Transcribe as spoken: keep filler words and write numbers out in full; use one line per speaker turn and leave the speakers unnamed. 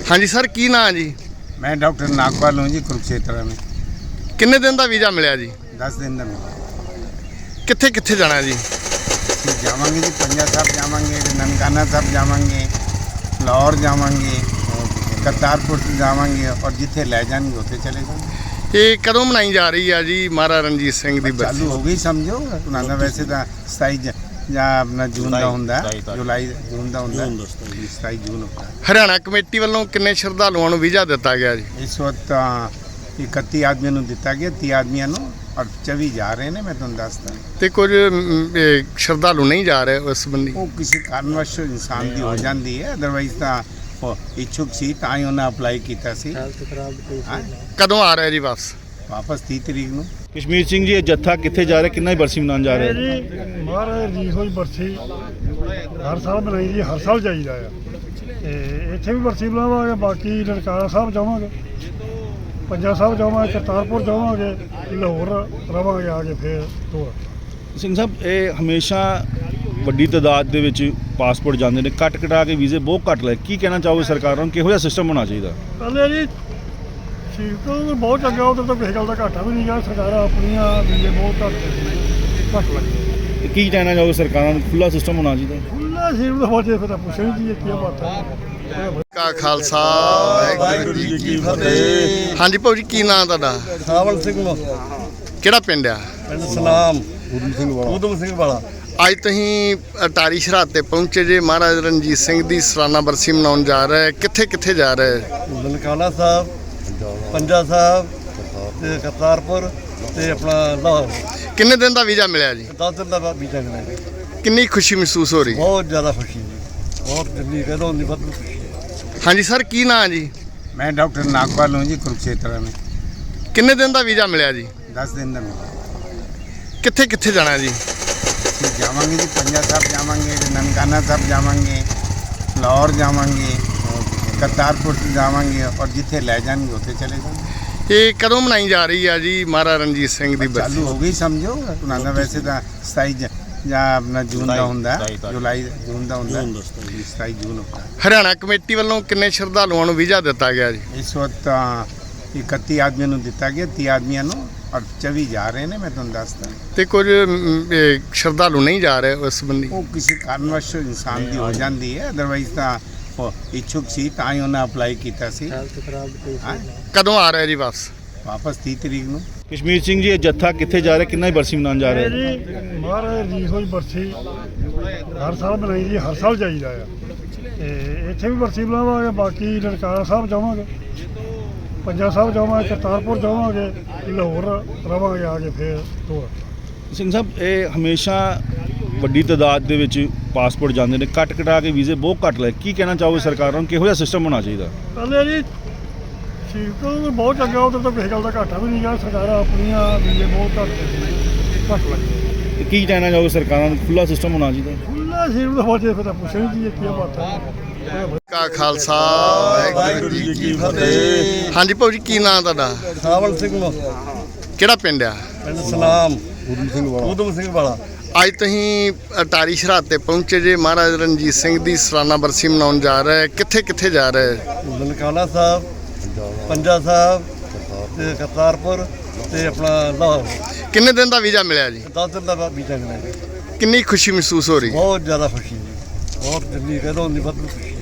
हाँ जी सर, की नाम जी?
मैं डॉक्टर नागपाल हूँ जी, कुरुक्षेत्र में।
किन्ने दिन का वीज़ा मिला जी?
दस दिन का मिला।
कित्थे कित्थे जाना जी?
जावांगे जी, पंजा साहब जावांगे, ननकाना साहब जावांगे, लाहौर जावांगे, करतारपुर जावांगे और जिथे ले जाएंगे उत्थे चले जाएंगे।
ये कदों मनाई जा रही है जी महाराजा रणजीत सिंह की बरसी?
चालू हो गई समझो ना, वैसे तो सताई ਜਾਂ ਆਪਣਾ ਜੂਨ ਦਾ ਹੁੰਦਾ, ਜੁਲਾਈ ਜੂਨ ਦਾ ਹੁੰਦਾ, ਸਤਾਈ ਜੂਨ ਹੁੰਦਾ।
ਹਰਿਆਣਾ ਕਮੇਟੀ ਵੱਲੋਂ ਕਿੰਨੇ ਸ਼ਰਧਾਲੂਆਂ ਨੂੰ ਵੀਜ਼ਾ ਦਿੱਤਾ ਗਿਆ ਜੀ?
ਇਸ ਵਕਤ ਇਕੱਤੀ ਆਦਮੀਆਂ ਨੂੰ ਦਿੱਤਾ ਗਿਆ, ਤੀਹ ਆਦਮੀਆਂ ਨੂੰ, ਔਰ ਚੌਵੀ ਜਾ ਰਹੇ ਨੇ। ਮੈਂ ਤੁਹਾਨੂੰ ਦੱਸਦਾ
ਤੇ ਕੁਝ ਅਮ, ਇਹ ਸ਼ਰਧਾਲੂ ਨਹੀਂ ਜਾ ਰਹੇ ਉਸ ਸੰਬੰਧੀ?
ਉਹ ਕਿਸੇ ਕਾਰਨਵਸ਼ ਇਨਸਾਨ ਦੀ ਹੋ ਜਾਂਦੀ ਹੈ, ਅਦਰਵਾਈਜ਼ ਤਾਂ ਉਹ ਇੱਛੁਕ ਸੀ ਤਾਂ ਹੀ ਉਹਨਾਂ ਅਪਲਾਈ ਕੀਤਾ ਸੀ।
ਕਦੋਂ ਆ ਰਿਹਾ ਜੀ ਵਾਪਸ?
ਵਾਪਸ ਤੀਹ ਤਰੀਕ ਨੂੰ।
ਕਸ਼ਮੀਰ ਸਿੰਘ ਜੀ, ਇਹ ਜੱਥਾ ਕਿੱਥੇ ਜਾ ਰਿਹਾ, ਕਿੰਨਾ ਹੀ ਬਰਸੀ ਮਨਾਉਣ ਜਾ ਰਿਹਾ?
ਜੀ ਮਹਾਰਾਜ ਰਣਜੀਤ ਸਿੰਘ ਦੀ ਬਰਸੀ ਹਰ ਸਾਲ ਮਨਾਈ ਦੀ, ਹਰ ਸਾਲ ਜਾਈਦਾ ਆ। ਤੇ ਇੱਥੇ ਵੀ ਬਰਸੀ ਮਨਾਵਾਂਗੇ, ਬਾਕੀ ਨਨਕਾਣਾ ਸਾਹਿਬ ਜਾਵਾਂਗੇ, ਪੰਜਾ ਸਾਹਿਬ ਜਾਵਾਂਗੇ, ਕਰਤਾਰਪੁਰ ਜਾਵਾਂਗੇ, ਲਾਹੌਰ ਰਵਾਂਗੇ ਆ ਕੇ ਫਿਰ ਤੋਂ।
ਸਿੰਘ ਸਾਹਿਬ, ਇਹ ਹਮੇਸ਼ਾ ਵੱਡੀ ਤਾਦਾਦ ਦੇ ਵਿੱਚ ਪਾਸਪੋਰਟ ਜਾਂਦੇ ਨੇ, ਕੱਟ ਕਟਾ ਕੇ ਵੀਜ਼ੇ ਬਹੁਤ ਘੱਟ ਲੈ, ਕੀ ਕਹਿਣਾ ਚਾਹੋਗੇ ਸਰਕਾਰਾਂ ਨੂੰ, ਕਿਹੋ ਜਿਹਾ ਸਿਸਟਮ ਹੋਣਾ ਚਾਹੀਦਾ?
ਪਹਿਲੇ ਜੀ ਠੀਕ ਤਾਂ ਬਹੁਤ ਚੰਗਾ, ਉਧਰ ਤਾਂ ਕਿਸੇ ਗੱਲ ਦਾ ਘਾਟਾ ਵੀ ਨਹੀਂ ਗਾ। ਸਰਕਾਰਾਂ ਆਪਣੀਆਂ ਵੀਜ਼ੇ ਬਹੁਤ ਘੱਟ ਘੱਟ ਲੱਗੇ।
ਕੀ ਕਹਿਣਾ ਚਾਹੋਗੇ ਸਰਕਾਰਾਂ ਨੂੰ, ਖੁੱਲ੍ਹਾ ਸਿਸਟਮ ਹੋਣਾ ਚਾਹੀਦਾ?
ਖੁੱਲ੍ਹਾ ਸੀਟ ਦਾ ਬਾਅਦ ਫਿਰ ਤਾਂ ਪੁੱਛਣੀ ਜੀ ਕੀ ਬਾਤ ਹੈ।
ਕਾ ਖਾਲਸਾ ਵਾਹਿਗੁਰੂ ਜੀ ਕੀ ਫਤਿਹ। ਹਾਂਜੀ ਭਾਊ ਜੀ, ਕੀ ਨਾਮ ਤੁਹਾਡਾ?
ਸਾਵਲ ਸਿੰਘ
ਕਿਹੜਾ ਪਿੰਡ ਆ?
ਪਿੰਡ ਸਲਾਮ, ਊਧਮ ਸਿੰਘ ਵਾਲਾ। ਊਧਮ ਸਿੰਘ ਵਾਲਾ।
ਅੱਜ ਤੁਸੀਂ ਅਟਾਰੀ ਸਰਹੱਦ ਤੇ ਪਹੁੰਚੇ ਜੇ, ਮਹਾਰਾਜਾ ਰਣਜੀਤ ਸਿੰਘ ਦੀ ਸਾਲਾਨਾ ਬਰਸੀ ਮਨਾਉਣ ਜਾ ਰਹੇ, ਕਿੱਥੇ ਕਿੱਥੇ ਜਾ ਰਹੇ?
ਨਨਕਾਣਾ ਸਾਹਿਬ, ਪੰਜਾ ਸਾਹਿਬ ਤੇ ਕਰਤਾਰਪੁਰ ਤੇ ਆਪਣਾ ਲਾਹੌਰ।
ਕਿੰਨੇ ਦਿਨ ਦਾ ਵੀਜ਼ਾ ਮਿਲਿਆ ਜੀ?
ਦਸ ਦਿਨ ਦਾ ਵੀਜ਼ਾ ਮਿਲਿਆ।
ਕਿੰਨੀ ਖੁਸ਼ੀ ਮਹਿਸੂਸ ਹੋ ਰਹੀ?
ਬਹੁਤ ਜ਼ਿਆਦਾ ਖੁਸ਼ੀ ਜੀ, ਬਹੁਤ ਜਿੰਨੀ ਕਹਦੋ ਉਨੀ ਵੱਧ ਖੁਸ਼ੀ ਹੈ।
ਹਾਂਜੀ ਸਰ, ਕੀ ਨਾਮ ਜੀ?
मैं डॉक्टर नागपाल हूँ जी, कुरुक्षेत्र में।
किन्ने दिन का वीज़ा मिला जी?
दस दिन का मिला।
कित्थे कित्थे जाना जी?
जावांगे जी, पंजा साहब जावांगे, ननकाना साहब जावांगे, लाहौर जावांगे, करतारपुर जावांगे और जिथे ले जाएंगे उत्थे चले जाएंगे।
ये कदों मनाई जा रही है जी महाराजा रणजीत सिंह की बरसी?
चालू हो गई समझो ना, वैसे तो सताई ਜਾਂ ਆਪਣਾ ਜੂਨ ਦਾ ਹੁੰਦਾ, ਜੁਲਾਈ ਜੂਨ ਦਾ ਹੁੰਦਾ, ਸਤਾਈ ਜੂਨ ਹੁੰਦਾ।
ਹਰਿਆਣਾ ਕਮੇਟੀ ਵੱਲੋਂ ਕਿੰਨੇ ਸ਼ਰਧਾਲੂਆਂ ਨੂੰ ਵੀਜ਼ਾ ਦਿੱਤਾ ਗਿਆ ਜੀ?
ਇਸ ਵਕਤ ਇਕੱਤੀ ਆਦਮੀਆਂ ਨੂੰ ਦਿੱਤਾ ਗਿਆ, ਤੀਹ ਆਦਮੀਆਂ ਨੂੰ, ਔਰ ਚੌਵੀ ਜਾ ਰਹੇ ਨੇ। ਮੈਂ ਤੁਹਾਨੂੰ ਦੱਸਦਾ
ਤੇ ਕੁਝ ਅਮ, ਇਹ ਸ਼ਰਧਾਲੂ ਨਹੀਂ ਜਾ ਰਹੇ ਉਸ ਸੰਬੰਧੀ?
ਉਹ ਕਿਸੇ ਕਾਰਨਵਸ਼ ਇਨਸਾਨ ਦੀ ਹੋ ਜਾਂਦੀ ਹੈ, ਅਦਰਵਾਈਜ਼ ਤਾਂ ਉਹ ਇੱਛੁਕ ਸੀ ਤਾਂ ਹੀ ਉਹਨਾਂ ਅਪਲਾਈ ਕੀਤਾ ਸੀ।
ਕਦੋਂ ਆ ਰਿਹਾ ਜੀ ਵਾਪਸ?
ਵਾਪਸ ਤੀਹ ਤਰੀਕ ਨੂੰ।
ਕਸ਼ਮੀਰ ਸਿੰਘ ਜੀ, ਇਹ ਜੱਥਾ ਕਿੱਥੇ ਜਾ ਰਿਹਾ, ਕਿੰਨਾ ਹੀ ਬਰਸੀ ਮਨਾਉਣ ਜਾ ਰਿਹਾ?
ਜੀ ਮਹਾਰਾਜ ਰਣਜੀਤ ਸਿੰਘ ਦੀ ਬਰਸੀ ਹਰ ਸਾਲ ਮਨਾਈ ਦੀ, ਹਰ ਸਾਲ ਜਾਈਦਾ ਆ। ਤੇ ਇੱਥੇ ਵੀ ਬਰਸੀ ਮਨਾਵਾਂਗੇ, ਬਾਕੀ ਨਨਕਾਣਾ ਸਾਹਿਬ ਜਾਵਾਂਗੇ, ਪੰਜਾ ਸਾਹਿਬ ਜਾਵਾਂਗੇ, ਕਰਤਾਰਪੁਰ ਜਾਵਾਂਗੇ, ਲਾਹੌਰ ਰਵਾਂਗੇ ਆ ਕੇ ਫਿਰ ਤੋਂ।
ਸਿੰਘ ਸਾਹਿਬ, ਇਹ ਹਮੇਸ਼ਾ ਵੱਡੀ ਤਾਦਾਦ ਦੇ ਵਿੱਚ ਪਾਸਪੋਰਟ ਜਾਂਦੇ ਨੇ, ਕੱਟ ਕਟਾ ਕੇ ਵੀਜ਼ੇ ਬਹੁਤ ਘੱਟ ਲੈ, ਕੀ ਕਹਿਣਾ ਚਾਹੋਗੇ ਸਰਕਾਰਾਂ ਨੂੰ, ਕਿਹੋ ਜਿਹਾ ਸਿਸਟਮ ਹੋਣਾ ਚਾਹੀਦਾ?
ਪਹਿਲੇ ਜੀ ਠੀਕ ਤਾਂ ਬਹੁਤ ਚੰਗਾ, ਉਧਰ ਤਾਂ ਕਿਸੇ ਗੱਲ ਦਾ ਘਾਟਾ ਵੀ ਨਹੀਂ ਗਾ। ਸਰਕਾਰਾਂ ਆਪਣੀਆਂ ਵੀਜ਼ੇ ਬਹੁਤ ਘੱਟ ਘੱਟ ਲੱਗੇ।
ਕੀ ਕਹਿਣਾ ਚਾਹੋਗੇ ਸਰਕਾਰਾਂ ਨੂੰ, ਖੁੱਲ੍ਹਾ ਸਿਸਟਮ ਹੋਣਾ ਚਾਹੀਦਾ?
ਖੁੱਲ੍ਹਾ ਸੀਟ ਦਾ ਬਾਅਦ ਫਿਰ ਤਾਂ ਪੁੱਛਣੀ ਜੀ ਕੀ ਬਾਤ ਹੈ।
ਕਾ ਖਾਲਸਾ ਵਾਹਿਗੁਰੂ ਜੀ ਕੀ ਫਤਿਹ। ਹਾਂਜੀ ਭਾਊ ਜੀ, ਕੀ ਨਾਮ ਤੁਹਾਡਾ?
ਸਾਵਲ ਸਿੰਘ
ਕਿਹੜਾ ਪਿੰਡ ਆ?
ਪਿੰਡ ਸਲਾਮ, ਊਧਮ ਸਿੰਘ ਵਾਲਾ। ਊਧਮ ਸਿੰਘ ਵਾਲਾ।
ਅੱਜ ਤੁਸੀਂ ਅਟਾਰੀ ਸਰਹੱਦ ਤੇ ਪਹੁੰਚੇ ਜੇ, ਮਹਾਰਾਜਾ ਰਣਜੀਤ ਸਿੰਘ ਦੀ ਸਾਲਾਨਾ ਬਰਸੀ ਮਨਾਉਣ ਜਾ ਰਹੇ, ਕਿੱਥੇ ਕਿੱਥੇ ਜਾ ਰਹੇ?
ਨਨਕਾਣਾ ਸਾਹਿਬ, ਪੰਜਾ ਸਾਹਿਬ ਤੇ ਕਰਤਾਰਪੁਰ ਤੇ ਆਪਣਾ ਲਾਹੌਰ।
ਕਿੰਨੇ ਦਿਨ ਦਾ ਵੀਜ਼ਾ ਮਿਲਿਆ ਜੀ?
ਦਸ ਦਿਨ ਦਾ ਵੀਜ਼ਾ ਮਿਲਿਆ।
ਕਿੰਨੀ ਖੁਸ਼ੀ ਮਹਿਸੂਸ ਹੋ ਰਹੀ?
ਬਹੁਤ ਜ਼ਿਆਦਾ ਖੁਸ਼ੀ ਜੀ, ਬਹੁਤ ਜਿੰਨੀ ਕਹਦੋ ਉਨੀ ਵੱਧ ਖੁਸ਼ੀ ਹੈ।